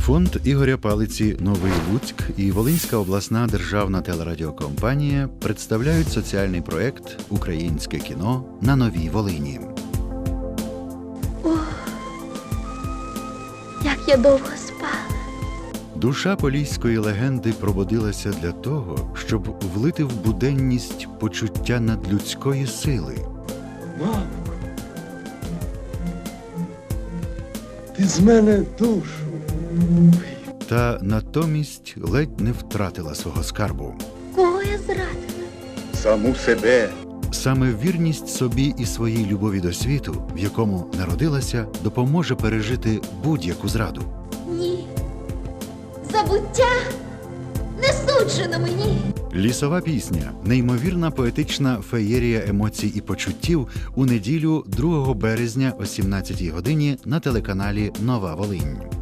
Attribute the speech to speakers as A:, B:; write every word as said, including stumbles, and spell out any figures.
A: Фонд Ігоря Палиці «Новий Луцьк» і Волинська обласна державна телерадіокомпанія представляють соціальний проєкт «Українське кіно на Новій Волині».
B: Ох, як я довго спала.
A: Душа поліської легенди пробудилася для того, щоб влити в буденність почуття надлюдської сили.
C: Мамко, ти з мене душу.
A: Та натомість ледь не втратила свого скарбу.
B: Кого я зрадила?
C: Саму себе.
A: Саме вірність собі і своїй любові до світу, в якому народилася, допоможе пережити будь-яку зраду.
B: Ні. Забуття не суджено мені.
A: Лісова пісня – неймовірна поетична феєрія емоцій і почуттів у неділю другого березня о сімнадцятій годині на телеканалі «Нова Волинь».